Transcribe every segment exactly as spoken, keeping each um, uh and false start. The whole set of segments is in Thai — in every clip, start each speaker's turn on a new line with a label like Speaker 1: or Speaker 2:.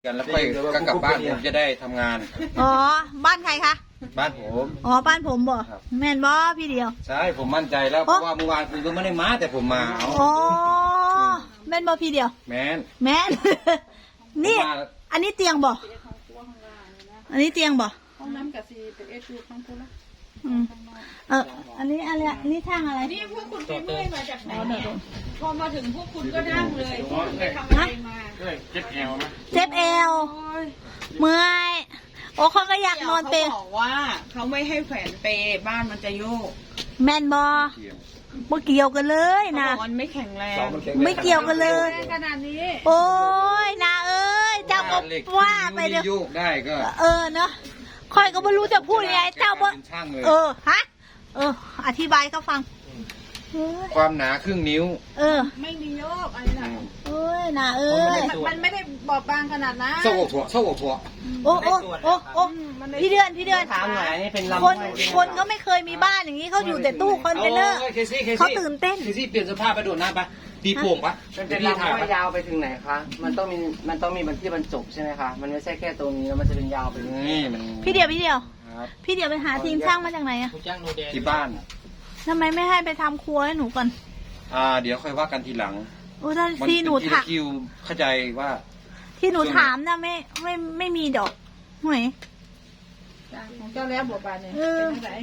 Speaker 1: กันแล้วค่อยก็กลับบ้านผมจะได้ทำงาน
Speaker 2: อ๋อบ้านใครคะ
Speaker 1: บ้านผม
Speaker 2: อ๋อบ้านผมบ่แม่นบ่พี่เดียว
Speaker 1: ใช่ผมมั่นใจแล้วเพราะว่าเมื่อวานคุณก็ไม่ได้มาแต่ผมมา
Speaker 2: อ๋อแม่นบ่พี่เดียว
Speaker 1: แม่น
Speaker 2: แม่นนี่อันนี้เตียงบ่อันนี้เตียงบ่
Speaker 3: ห้องน้ำกับซีเป็นเอชูข้างคุณละ
Speaker 2: เอออันนี้อะไรนี่ทางอะไร
Speaker 3: นี่พวกคุณไปเมื่อยมาจากไหนเนี่ยพอมาถึงพวกคุณก็นั่งเลยไปทำอะไรมา
Speaker 1: เจ็บเอวไหม
Speaker 2: เจ็บเอวเมื่อยโอ้เขาก็อยากนอนเป
Speaker 3: เขาบอกว่าเขาไม่ให้แขวนเปบ้านมันจะโยก
Speaker 2: แม่นบ่ไม่เกี่ยวกันเลยนะ
Speaker 3: มันไม่แข็งแรง
Speaker 2: ไม่เกี่ยวกันเลย
Speaker 3: ขนาดนี้
Speaker 2: โอ้ยนาเอ้ยเจ้าก็ว่าไปเลย
Speaker 1: โยกได้ก็
Speaker 2: เออเนาะคอยก็ไม่รู้จะพูดยังไงเจ้าบ่เออฮะเอออธิบายเขาฟัง
Speaker 1: ความหนาครึ่งนิ้ว
Speaker 2: เออ
Speaker 3: ไม่มีโยกอะไรนะ
Speaker 2: เอ้ยนาเอ้ย
Speaker 3: มันไม่ได้บอบบางขนาดนั้น
Speaker 1: โซ่หัวโซ่หัว
Speaker 2: โอ้โอ้โอ้โอ้พี่เดือนพี่เดือน
Speaker 4: ถามหน่อยนี่เป็นลำ
Speaker 2: คนคนก็ไม่เคยมีบ้านอย่างนี้เขาอยู่แต่ตู้คอนเทนเนอร์เขาตื่นเต้น
Speaker 1: เคซี่เปลี่ยนเสื้อผ้าไปโดดน้ำปะตีโป่งปะ
Speaker 4: มันเป็นลำว่ายาวไปถึงไหนคะมันต้องมีมันต้องมีบรรที่บรรจบใช่ไหมคะมันไม่ใช่แค่ตรงนี้แล้วมันจะเป็นยาวไป
Speaker 1: นี่มัน
Speaker 2: พี่เดียวพี่เดียวพี่เดียวไปหาทีมช่างมาจากไหนอะ
Speaker 1: ที่บ้าน
Speaker 2: ทำไมไม่ให้ไปทำครัวให้หนูก่อน
Speaker 1: อ่าเดี๋ยวค่อยว่ากันทีหลัง
Speaker 2: โอ้ถ้าที่หนูถาม
Speaker 1: คิวเข้าใจว่า
Speaker 2: ที่หนูถามนะไม่ไม่ไม่มีดอกหวย
Speaker 3: ของเจ้าแล้วบวบบานเนี่ยเป็นไง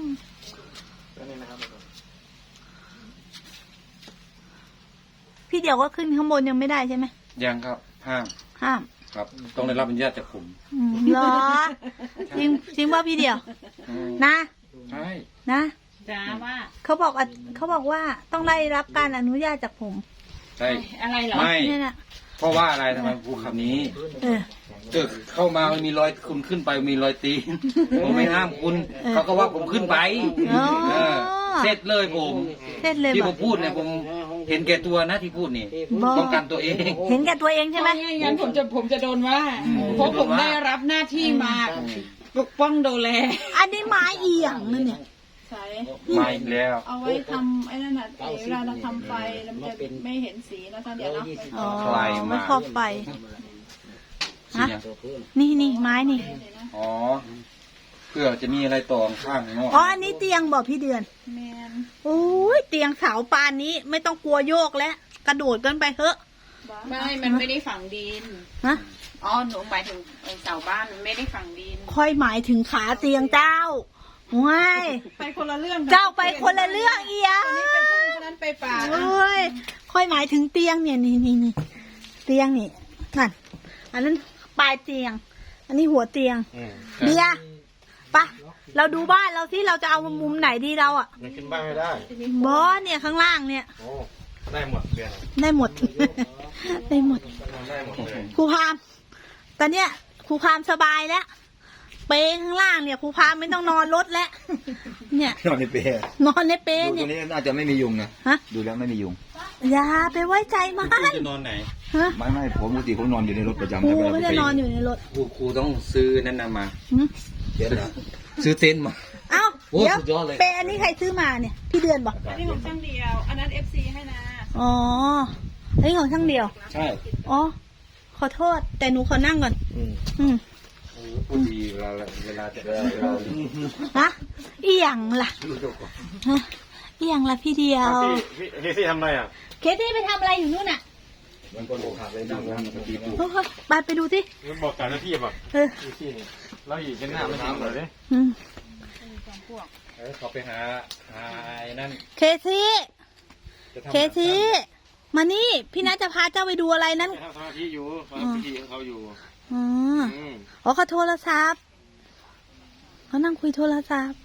Speaker 2: พี่เดียวก็ขึ้นข้างบนยังไม่ได้ใช่ไหม
Speaker 1: ยังครับห้าม
Speaker 2: ห้าม
Speaker 1: ครับต้องได้รับอนุญาตจากผม
Speaker 2: เหรอจริงจริงว่าพี่เดียวนะ
Speaker 1: ใช่
Speaker 2: นะ
Speaker 3: จ้าว่า
Speaker 2: เขาบอกเขาบอกว่าต้องได้รับการอนุญาตจากผม
Speaker 1: ใช่
Speaker 3: อะไรเหรอ
Speaker 1: ไม่เพราะว่าอะไรทำไมพูดคำนี้เออเกิดเข้ามามันมีรอยคุณขึ้นไปมีรอยตีนผมไม่ห้ามคุณเขาก็ว่าผมขึ้นไปเสร็จเลยผมที่ผมพูดเนี่ยผมเห็นแก่ตัวนะที่พูดนี่ป้องกันตัวเอง
Speaker 2: เห็นแก่ตัวเองใช่ไหม
Speaker 3: งั้นผมจะผมจะโดนว่าเพราะผมได้รับหน้าที่มาปกป้องดูแล
Speaker 2: อันนี้ไม้เอียงนั่นเนี่ย
Speaker 3: ใช่
Speaker 1: ไม่แล้ว
Speaker 3: เอาไว้ทำไอ้นั่นน่ะเวลาเราทำไฟแล้วมันจะไม่เห็นสีนะท่านเดี๋ยวเนาะ
Speaker 2: อ๋อไม่ครอบไฟฮะนี่นี่ไม้นี่
Speaker 1: อ๋อเพื่อจะมีอะไรต่อข้างนอก
Speaker 2: อ๋ออันนี้เตียงบอกพี่เดือน
Speaker 3: แมน
Speaker 2: โอ้ยเตียงเสาปานนี้ไม่ต้องกลัวโยกแล้วกระโดดกันไปเถอะ
Speaker 3: ไม่มันไม่ได้ฝังดิน
Speaker 2: ฮะ
Speaker 3: อ๋อหนูหมายถึงเสาบ้านมันไม่ได้ฝังดิน
Speaker 2: ค่อยหมายถึงขาเตียงเจ้าว้าย
Speaker 3: ไปคนละเรื่อง
Speaker 2: เจ้าไปคนละเรื่องเอีย
Speaker 3: คนนี้ไปทุ่งคนนั้นไปป่า
Speaker 2: เอ้ยค่อยหมายถึงเตียงเนี่ยนี่นี่นี่เตียงนี่นั่นอันนั้นปลายเตียงอันนี้หัวเตียงเดียปะเราดูบ้านเราที่เราจะเอามุมไหนดีเราอ่ะ
Speaker 1: มันขึ้นบ้านไม่ได้
Speaker 2: บอสเนี่ยข้างล่างเนี่ย
Speaker 1: ได้หมดเดียว
Speaker 2: ได้หมดได้หมดครูพามตอนเนี้ยครูพามสบายแล้วเปข้างล่างเนี่ยครูพามไม่ต้องนอนรถแล้วเนี่ย
Speaker 1: นอนในเป
Speaker 2: นอนในเปเนี่ย
Speaker 1: ตัวนี้น่าจะไม่มียุงนะฮะดูแล้วไม่มียุง
Speaker 2: อย่าไปไว้ใจมัน
Speaker 1: จะนอนไหนฮะไม่ไม่ผมปกติผมนอนอยู่ในรถประจำ
Speaker 2: ครูไม่ได้นอนอยู่ในรถ
Speaker 1: ครูครูต้องซื้อนั่นนำมาซื้อเต็นท์มา
Speaker 2: เอ้าเดี๋ยวเปอันนี้ใครซื้อมาเนี่ยพี่เดือนบอก
Speaker 3: อันนี้ของช่างเดียวอันนั้นเอฟซีให้นะ
Speaker 2: อ๋ออันนี้ของช่างเดียว
Speaker 1: ใช่
Speaker 2: อ๋อขอโทษแต่หนูขอนั่งก่อนอืมอืม
Speaker 1: พูดดีเวลาเวลาจะเรา
Speaker 2: ฮะอีหยังล่ะฮะอีหยังล่ะพี่เดียว
Speaker 1: เคซี่ทำอะไรอ่ะ
Speaker 2: เคซี่ไปทำอะไรอยู่นู่นน่ะ
Speaker 1: มันคนอกหักเลยนั่งนั่งปฏิ
Speaker 2: บัติไปไปดูสิ
Speaker 1: บอกการหน้าที่ป่ะเออเคซี่นี่เราอยู่กันหน้าไม่ทำเลยอืมเขาไปหาหาไอ้นั่น
Speaker 2: เคซี่เคซี่มานี่พี่นัทจะพาเจ้าไปดูอะไรนั้น
Speaker 1: ทำสมาธิอยู่ทำพิธีของเขาอยู่
Speaker 2: อ๋ออ๋อเขาโทรศัพท์เขานั่งคุยโทรศัพท์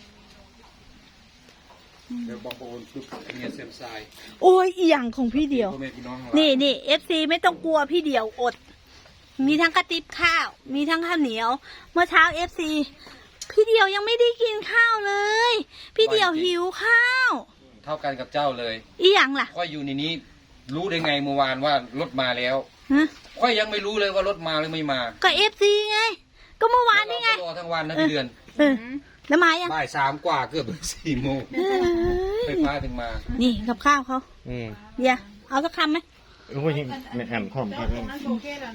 Speaker 1: เดี๋ยวบอกโอนคือเงียเซมไซ
Speaker 2: โอ้ยอีหยังของพี่เดียวนี่นี่เอฟซีไม่ต้องกลัวพี่เดียวอดมีทั้งกระติบข้าวมีทั้งข้าวเหนียวเมื่อเช้าเอฟซีพี่เดียวยังไม่ได้กินข้าวเลยพี่เดียวหิวข้าว
Speaker 1: เท่ากันกับเจ้าเลย
Speaker 2: อีหยังล่ะ
Speaker 1: ค่อยอยู่ในนี้รู้ได้ไงเมื่อวานว่ารถมาแล้วค่อยยังไม่รู้เลยว่ารถมาหรือไม่มา
Speaker 2: ก็เอฟซีไงก็เมื่อวานนี่ไง
Speaker 1: รอทั้งวันนะพี่เดือน
Speaker 2: แล้วมายัง
Speaker 1: บ่ายสามกว่าเกือบสี่โมงไฟฟ้าถึงมา
Speaker 2: นี่กับข้าวเขาเดี๋ยวเอาสักคำไหม
Speaker 1: โอ้ยไม่แอมข้อมครับ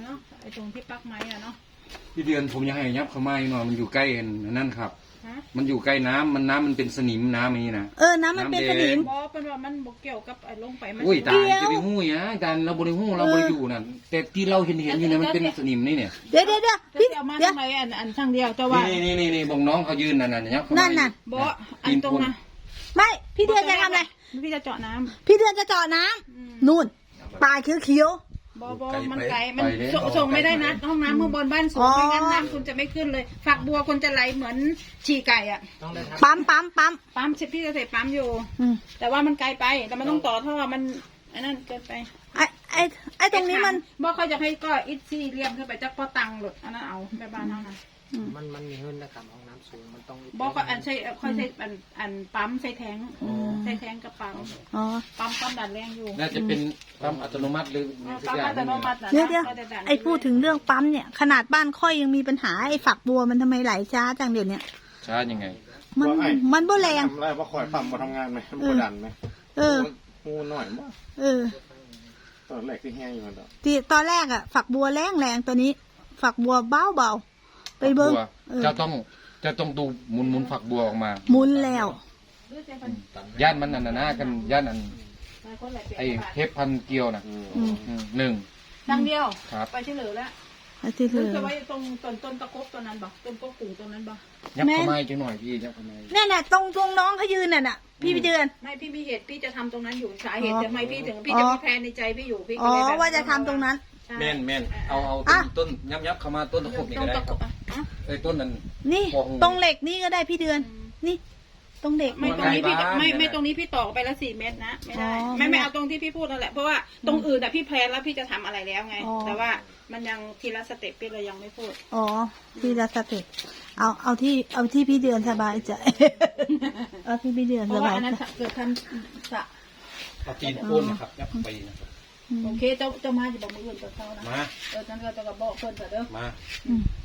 Speaker 3: ไอ้ตรงที่ปักไม้อะเนาะ
Speaker 1: พี่เดือนผมยังให้ยับเข้ามาอีกหน่อยมันอยู่ใกล้อันนั่นครับ
Speaker 3: ฮะ
Speaker 1: มันอยู่ใกล้น้ำมันน้ำมันเป็นสนิมน้ำอย่างนี้นะ
Speaker 2: เออน้ำมันเป็นสนิม
Speaker 3: บอเป็นว่ามันบอกเกี่ยวกับไอ้ลงไปมัน
Speaker 1: อุ้ยตาย
Speaker 2: เดี๋ยว
Speaker 1: จะไปหู้ยะอาจารย์เราบริหู้เราบริอยู่นั่นแต่ที่เราเห็นเห็นอยู่เนี่ยมันเป็นสนิมนี่เนี่ย
Speaker 2: เดี๋ยวเดี๋ยวเดี๋ยว
Speaker 3: พี่
Speaker 2: พี่
Speaker 3: เอามา
Speaker 2: เดี๋ยว
Speaker 3: ทำไมอันอันทางเดียวแต่ว่า
Speaker 1: นี่นี่นี่นี่บอกน้องเขายืนนั่นน่ะยับเข้ามา
Speaker 2: นั่นน่ะ
Speaker 3: บออันตรงนะ
Speaker 2: ไม่พี่เดือนจะทำอะไร
Speaker 3: พี่จะเจาะน้ำ
Speaker 2: พี่เดือนจะเจาะน้ำ
Speaker 3: อืม
Speaker 2: นู่นปลายเขียว
Speaker 3: บอบอมันไกลมันส่งส่งไม่ได้นะห้องน้ำข้างบนบ้านสูง
Speaker 2: อ๋อ
Speaker 3: ไม่งั้นน้ำคุณจะไม่ขึ้นเลย ฝักบัวคุณจะไหลเหมือนฉี่ไก่อะ
Speaker 2: ๆปั๊มปั๊มปั๊ม
Speaker 3: ปั๊มสิพี่จะใส่ปั๊มอยู่
Speaker 2: อืม
Speaker 3: แต่ว่ามันไกลไป แต่มันต้องต่อท่อมันไอ้นั่นเกินไป
Speaker 2: ไอ้ไอ้ไอ้ตรงนี้มัน
Speaker 3: บอกเขาจะให้ก็อิดซี่เรียมขึ้นไปจากพ่อตังหลุดอันนั้นเอาไปบ้านเท่านั้น
Speaker 4: มันมันมีเงินนะครับห้องน้ำสูงมันต้อง
Speaker 3: บอกก็อันใช้ค่อยใช้อันอันปั๊มใช้แทงใช้แทงกับปั๊ม
Speaker 2: อ๋อ
Speaker 3: ปั๊มปั๊มดันแรงอยู่
Speaker 1: น่าจะเป็นปั๊มอัตโนมัติหรือสัก
Speaker 3: ปั๊ม
Speaker 1: อย่าง
Speaker 3: อัตโนมัตินะ
Speaker 2: เดี๋ยวเดี๋ยว
Speaker 3: ก็จะดัน
Speaker 2: ไอ้พูดถึงเรื่องปั๊มเนี่ย ขนาดบ้านค่อยยังมีปัญหาไอ้ฝักบัวมันทำไมไหลช้าจังเดี๋ยวเนี้ย
Speaker 1: ช้ายังไง
Speaker 2: มันมันบ่แรง
Speaker 5: ทำไรว่าคอยปั๊มมาทำงานไหมมันกดดันไหม
Speaker 2: เออ
Speaker 5: งูหน่อยมั้ง
Speaker 2: เออ
Speaker 5: ตอนแรกที่แห้งอยู่มัน
Speaker 2: ที่ตอนแรกอะฝักบัวแรงแรงตัวนี้ ฝักบัวเบาเบาๆไปเบิ้ง
Speaker 1: บัว
Speaker 2: เออ
Speaker 1: เจ้าต้องเจะต้องดูหมุนหมุนฝักบัวออกมา
Speaker 2: หมุนแล้ว
Speaker 1: ย่านมันอันนั้นนะกันย่านอันไอ้เทปพันเกลียวน่ะ
Speaker 2: อืม
Speaker 1: อืมหนึ่ง
Speaker 3: ดังเดียว
Speaker 1: ครับ
Speaker 3: ไปเฉลยแล้ว
Speaker 2: ไอ้ที่
Speaker 3: หรื
Speaker 2: คือ อ
Speaker 3: จะไว้ตรงต้นต้นตะกบตัวนั้นบ่ต้นกบกุ่งตัวนั้นบ่
Speaker 1: ยับเข้ามาอีกจังหน่อยพี่ยับเข้ามาอีก
Speaker 2: เนี่ยน่ะตรงตรงน้องเขายืนน่ะน่ะ พี่พี่เดือน
Speaker 3: ไม่พี่มีเหตุพี่จะทำตรงนั้นอยู่สาเหตุ
Speaker 2: อ๋อ
Speaker 3: ทำไมพี่ถึงพี่
Speaker 2: อ๋อ
Speaker 3: จะมีแพลนในใจพี่อยู่พี่
Speaker 2: อ๋
Speaker 3: ก็
Speaker 2: อ
Speaker 3: เลยแบบ
Speaker 2: ว่าจะทำตรงนั้น
Speaker 3: ใช่
Speaker 1: แม่นแม่นเอาเอา
Speaker 2: อ่ะ
Speaker 1: ต้นต้นยับยับเข้ามาต้นตะขบนี่
Speaker 3: ตร
Speaker 1: ก็
Speaker 3: ง
Speaker 1: ได้
Speaker 3: ตะ
Speaker 1: ค
Speaker 3: ก
Speaker 1: รับบ
Speaker 3: อ่ะอ่ะ
Speaker 1: ไอ้ต้นนั้น
Speaker 2: นี่
Speaker 1: โอ้โห
Speaker 2: ตรงเหล็กนี่ก็ได้พี่เดือน นี่ ตรงเหล็ก
Speaker 3: ไม่ตรงนี้พี่
Speaker 1: ใกล้บ้าน
Speaker 3: ไม่
Speaker 1: เนี่ย
Speaker 3: ไม่ตรงนี้พี่ต่อไปละสี่เมตรนะไม่ได้
Speaker 2: อ๋อ
Speaker 3: ไม่ไม่เอาตรงที่พี่พูดนั่นแหละเพราะว่าตรงอื่นอ่ะพี่แพลนแล้วพี่จะทำอะไรแล้วไง
Speaker 2: อ๋อ
Speaker 3: แต่ว่ามันยังทีละสเต็ปพี่เลยยังไม่พูด
Speaker 2: อ๋อพี่ละสเต็ปเอาเอาที่เอาที่พี่เดือนสบายใจ เอาที่พี่เดือน
Speaker 3: เพ
Speaker 2: ส
Speaker 3: ราะว่า
Speaker 2: บาย
Speaker 3: อันนั้น
Speaker 2: ใจ
Speaker 3: เกิดทำสระ
Speaker 1: เอาตีนโค่นนะครับยับไปนะครับ
Speaker 2: อืม
Speaker 3: โอเคเจ้าเจ้ามาจะบอกมืออื่นกับเขานะ
Speaker 1: มา
Speaker 3: เออฉันก็จะกับบอกเพื่อนแต่เด้อ
Speaker 1: มา
Speaker 2: อืม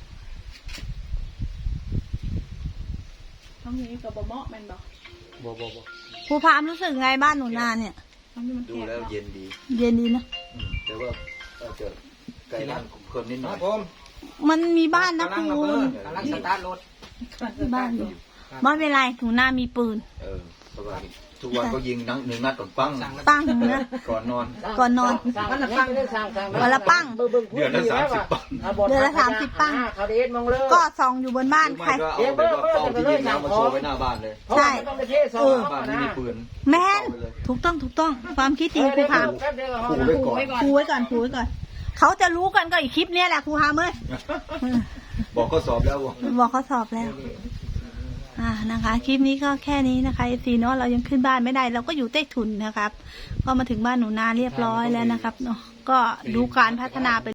Speaker 3: ทั้งนี้กับบเหมาะแมันบอก
Speaker 1: บ่บ่บ่
Speaker 2: ครูพามรู้สึกไงบ้านหนูนาเนี่ย
Speaker 3: ทั้งนี้มัน
Speaker 6: ดู
Speaker 3: แคบ
Speaker 6: แล้ว
Speaker 3: เนาะ
Speaker 6: เย็นดี
Speaker 2: เย็นดีนะ
Speaker 6: อืมแต่ว่าอาจจะไกลบ้านคนนิดหน่อย
Speaker 4: ผม
Speaker 2: มันมีบ้านนะ
Speaker 4: กำลัง
Speaker 2: คุ
Speaker 4: ระเบิ
Speaker 2: ณ
Speaker 4: ดกำลังสตาร์ทรถ
Speaker 2: มีบ้านอยู่ไม่เป็นไรหนูนามีปืน
Speaker 6: เออเพราะว่าทุกวันก็ยิงนังหนึ่งนัดก่อนปัง
Speaker 2: ตั้งนะ
Speaker 6: ก่อนนอน
Speaker 2: ก่อนนอน
Speaker 4: มันละปังเรื่องสร้างสร้าง
Speaker 2: วันละปัง
Speaker 6: เดือนละสามสิบปัง
Speaker 2: เดือนละสามสิบปัง
Speaker 4: เขาเด็ดมองเลย
Speaker 2: ก็ส่องอยู่บนบ้าน
Speaker 6: ไม่
Speaker 2: ใคร
Speaker 6: ก็เอาแบบว่าเป้าที่ยิงน้ำมาโชว์ไว้หน้าบ้านเลย
Speaker 2: ใช่
Speaker 4: ต้องไปเทศ
Speaker 2: เออ
Speaker 6: บ้านไม่มีปืน
Speaker 2: แม่นถูกต้องถูกต้อง ความคิดดีครูพาม
Speaker 6: ขู่ไว้ก่อน
Speaker 3: ไว้ก่อน
Speaker 2: ครูไว้ก่อนครูไว้ก่อน เขาจะรู้กันก็อีกคลิปเนี้ยแหละครูพามเอ้ย
Speaker 6: บอกข้อสอบแล้วว่า
Speaker 2: บอกเขาสอบแล้ว อ่านะคะ คลิปนี้ก็แค่นี้นะคะเอฟซีเนาะเรายังขึ้นบ้านไม่ได้ เราก็อยู่ใต้ถุนนะครับ ก็มาถึงบ้านหนูนาเรียบร้อยแล้วนะครับเนาะก็ดูการพัฒนาไป